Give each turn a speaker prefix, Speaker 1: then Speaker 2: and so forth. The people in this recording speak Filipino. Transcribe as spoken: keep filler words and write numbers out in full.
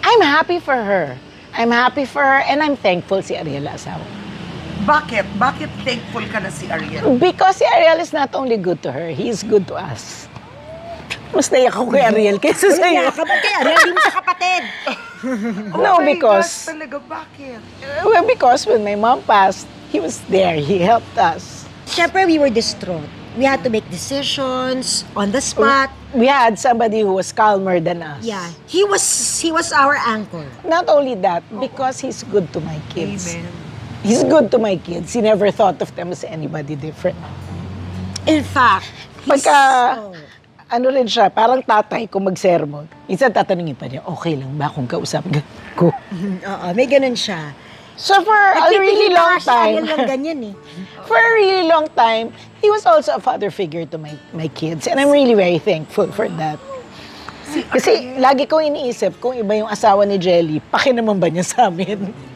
Speaker 1: I'm happy for her. I'm happy for her and I'm thankful si Ariel asawa.
Speaker 2: Bakit? Bakit thankful ka na si Ariel?
Speaker 1: Because si Ariel is not only good to her, he is good to us. Mas naiyak ako kay Ariel kaysa sa iyo.
Speaker 3: Kaya ka ba kay Ariel, di mo siya kapatid?
Speaker 1: No,
Speaker 2: Oh my
Speaker 1: because-
Speaker 2: gosh, talaga, bakit?
Speaker 1: Well, because when my mom passed, he was there. He helped us.
Speaker 3: Siyempre, we were distraught. We had to make decisions on the spot.
Speaker 1: We had somebody who was calmer than us.
Speaker 3: Yeah. He was he was our anchor.
Speaker 1: Not only that, because he's good to my kids.
Speaker 2: Amen.
Speaker 1: He's good to my kids. He never thought of them as anybody different.
Speaker 3: In fact, he's...
Speaker 1: Pagka,
Speaker 3: oh.
Speaker 1: ano rin siya, parang tatay kung mag-sermon. Minsan tatanungin pa niya, okay lang ba kung kausapin ko?
Speaker 3: Oo, may ganun siya.
Speaker 1: So for a really
Speaker 3: Nagpipili pa
Speaker 1: long
Speaker 3: nga siya,
Speaker 1: time,
Speaker 3: Ariel lang ganyan eh.
Speaker 1: for a really long time, he was also a father figure to my my kids. And I'm really very thankful for that. Kasi lagi ko iniisip, kung iba yung asawa ni Jelly, paki naman ba niya sa amin?